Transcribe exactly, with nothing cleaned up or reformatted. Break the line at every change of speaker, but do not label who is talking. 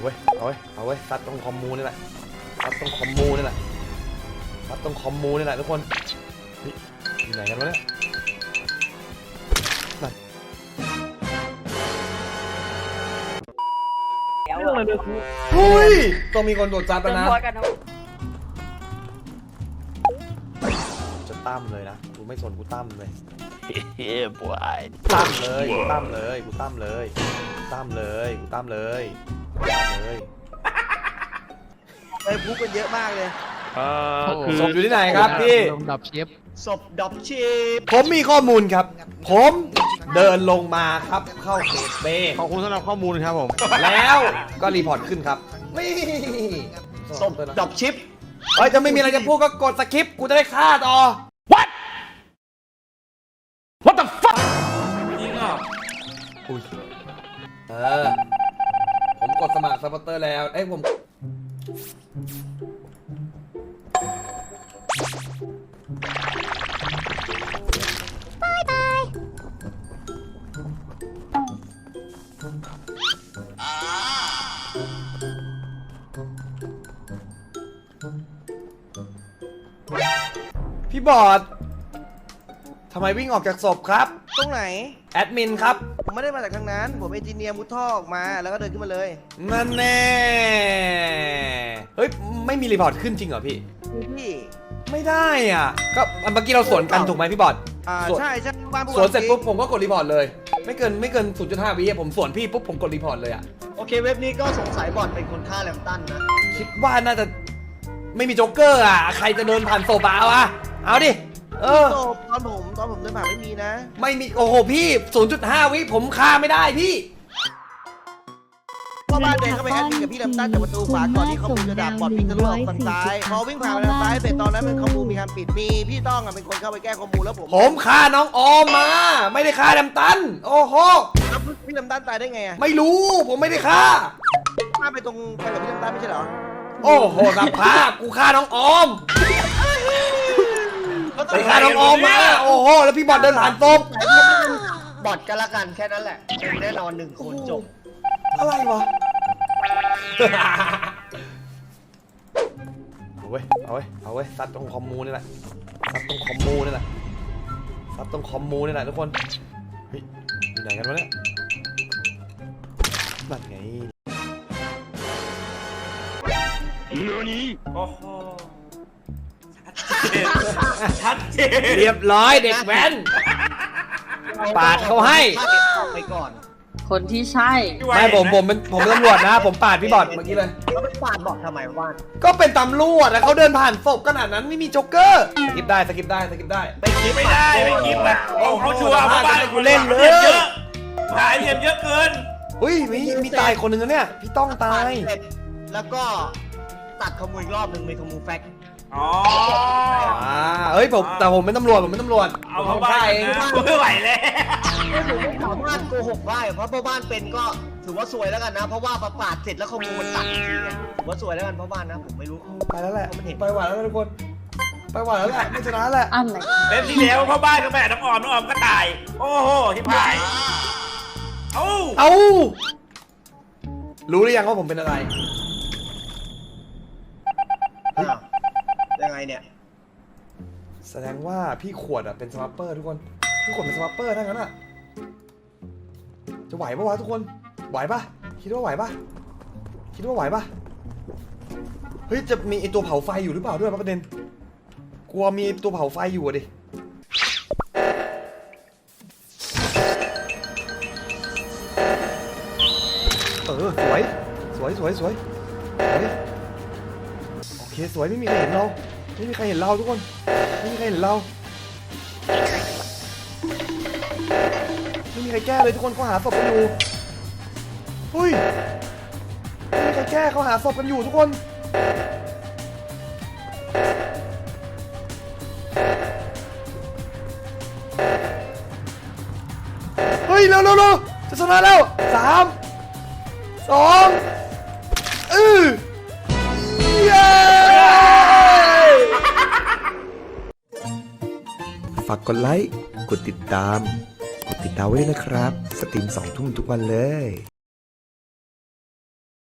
เว้ยเอาเว้ยเอาเว้ยซัดตรงคอมมูนี่แหละซัดตรงคอมมูนี่แหละซัดตรงคอมมูนี่แหละทุกคนเฮ้ยอยู่ไหนกันวะเนี่ยเรื่องอะไรเนี่ยครูเฮ้ยต้องมีคนโดดจับแล้วนะจะตั้มเลยนะกูไม่สนกูตั้มเลย
เฮ้ยบอย
ตั้มเลยกูตั้มเลยกูตั้มเลยกูตั้มเลยกูตั้มเลยตั้มเลย
ไปพูดกันเยอะมากเลย
ศพอยู่ที่ไหนครับพี่
ดับเชฟ
ศพดับชิป
ผมมีข้อมูลครับผมเดินลงมาครับเข้าเขตเบ
ขอบคุณสำหรับข้อมูลครับผม
แล้วก็รีพอร์ตขึ้นครับนี่
ศพดับชิป
เฮ้ยจะไม่มีอะไรจะพูดก็กดสคริปต์กูจะได้ฆ่าต่อ What What the fuck จริงอ่ะอุ้ยเออผมกดสมัครซัพพอร์เตอร์แล้วเอ้ยผมบายบายพี่บอดทำไมวิ่งออกจากศพครับ
ตรงไหน
แอดมินครับ
ผมไม่ได้มาจากทางนั้นผมเอนจิเนียร์มุดท่อออกมาแล้วก็เดินขึ้นมาเลย
นั่นแน่เฮ้ยไม่มีรีพอร์ตขึ้นจริงเหรอพี่
พี่
ไม่ได้อ่ะก็เมื่อกี้เราสวนกันถูกไหมพี่บอด
อ่าใช่ใช่บ้าน
สวนเสร็จปุ๊บผมก็กดรีพอร์ตเลยไม่เกินไม่เกิน ศูนย์จุดห้า วิผมสวนพี่ปุ๊บผมกดรีพอร์ตเลยอ่ะ
โอเคเว็บนี้ก็สงสัยบอดเป็นคนฆ่าแลมตันนะ
คิดว่าน่าจะไม่มีโจ๊กเกอร์อ่ะใครจะเดินผ่านโซบาวะเอาดิเออ
ตอนผมตอนผมเดินผ่านไม่มีนะ
ไม่มีโอ้โหพี่ ศูนย์จุดห้า วิผมฆ่าไม่ได้พี่
พ่อบ้านเดินเข้าไปแอดมินกับพี่แลมตันจากประตูขวาก่อนที่เขาจะดับบอดวิ่งทะลุออกฝั่งซ้ายพอวิ่งผ่านไปทางซ้ายเสร็จตอนนั้นเป็นข้อมูลมีการปิดมีพี่ต้องอ่ะเป็นคนเข้าไปแก้ข้อมูลแล้วผม
ผมฆ่าน้องออมมาไม่ได้ฆ่าแลมตันโอ้โห
แล้วพี่แลมตันตายได้ไงอ่ะ
ไม่รู้ผมไม่ได้ฆ่า
ฆ่าไปตรงไปกับพี่แลมตันไม่ใช่เหรอ
โอ้โหสภาพกูฆ่าน้องออมไปฆ่าน้องออมมาโอ้โหแล้วพี่บอดเดินผ่านศพ
บอดกันละกันแค่นั้นแหละแน่นอนหนึ่งคนจบ
อะไรวะเอาเว้ยเอาเว้ยเอาเว้ยซัดตรงคอมมูนี่แหละซัดตรงคอมมูนี่แหละซัดตรงคอมมูนี่แหละทุกคนเฮ้ยอยู่ไหนกันวะเนี่ยนั่นไง
โอ้โห
ชัดเจนเรียบร้อยเด็กแว้นปาดเขาให้
ไปก่อน
คนที่ใช่
ไม่ผมผมเป็นผมเป็นตำรวจนะผมปาดพี่บอดเมื่อกี้เลย
เขาไปปาดบอกทำไมว่าน
ก็เป็นตำรวจนะเขาเดินผ่านศพขนาดนั้นไม่มีโจ๊กเกอร์สกิปได้สกิปได้สกิปได้
ไม่คิดไม่ได้ไม่คิดนะโอ้เขาชัวร์เพราะว่า
กูเล่นเลย
เยอะหายเห็นเยอะเกิน
อุ้ยมีมีตายคนหนึ่งแล้วเนี่ยพี่ต้องตาย
แล้วก็ตัดขโมยอีกรอบหนึ่งมีขโมยแฟก
อ๋อ
อ่าเฮ้ยผมแต่ผมเป็นตำรวจผมเป็นตำรวจ
เอาเข้าบ้านเองไม่ไหวแล้ว
ผมไม่สามารถโกหกได้เพราะพ่อบ้านเป็นก็ถือว่าสวยแล้วกันนะเพราะว่าประปาดเสร็จแล้วขโมยตัดจริงถือว่าสวยแล้วกันพ่อบ้านนะผมไม่รู้
ไปแล้วแหละไปหวานแล้วทุกคนไปหวานแล้วแหละไม่ชนะแหละ
เล่นที่แล้วพ่อบ้านก็แม่น้องออมน้องออมก็ตายโอ้โหที่พายเอ้า
เอ้ารู้หรือยังว่าผมเป็นอะไร
ยังไงเนี่ย
แสดงว่าพี่ขวดอ่ะเป็นสวัปเปอร์ทุกคนพี่ขวดเป็นสวัปเปอร์ทั้งนั้นอ่ะจะไหวปะวะทุกคนไหวปะคิดว่าไหวปะคิดว่าไหวปะเฮ้ยจะมีไอตัวเผาไฟอยู่หรือเปล่าด้วยประเด็นกลัวมีตัวเผาไฟอยู่ดิเออสวยสวยสวยสวยโอเคสวยไม่มีใครเห็นเราไม่มีใครเห็นเราทุกคนไม่มีใครเห็นเราไม่มีใครแก้เลยทุกคนเขาหาศพกันอยู่เฮ้ยไม่มีใครแก้เขาหาศพกันอยู่ทุกคนเฮ้ยเร็วเร็วเร็วจะชนะแล้วสามสองเออฝากกดไลค์ กดติดตาม กดติดดาวไว้ด้วยนะครับ สตรีมสองทุ่มทุกวันเลย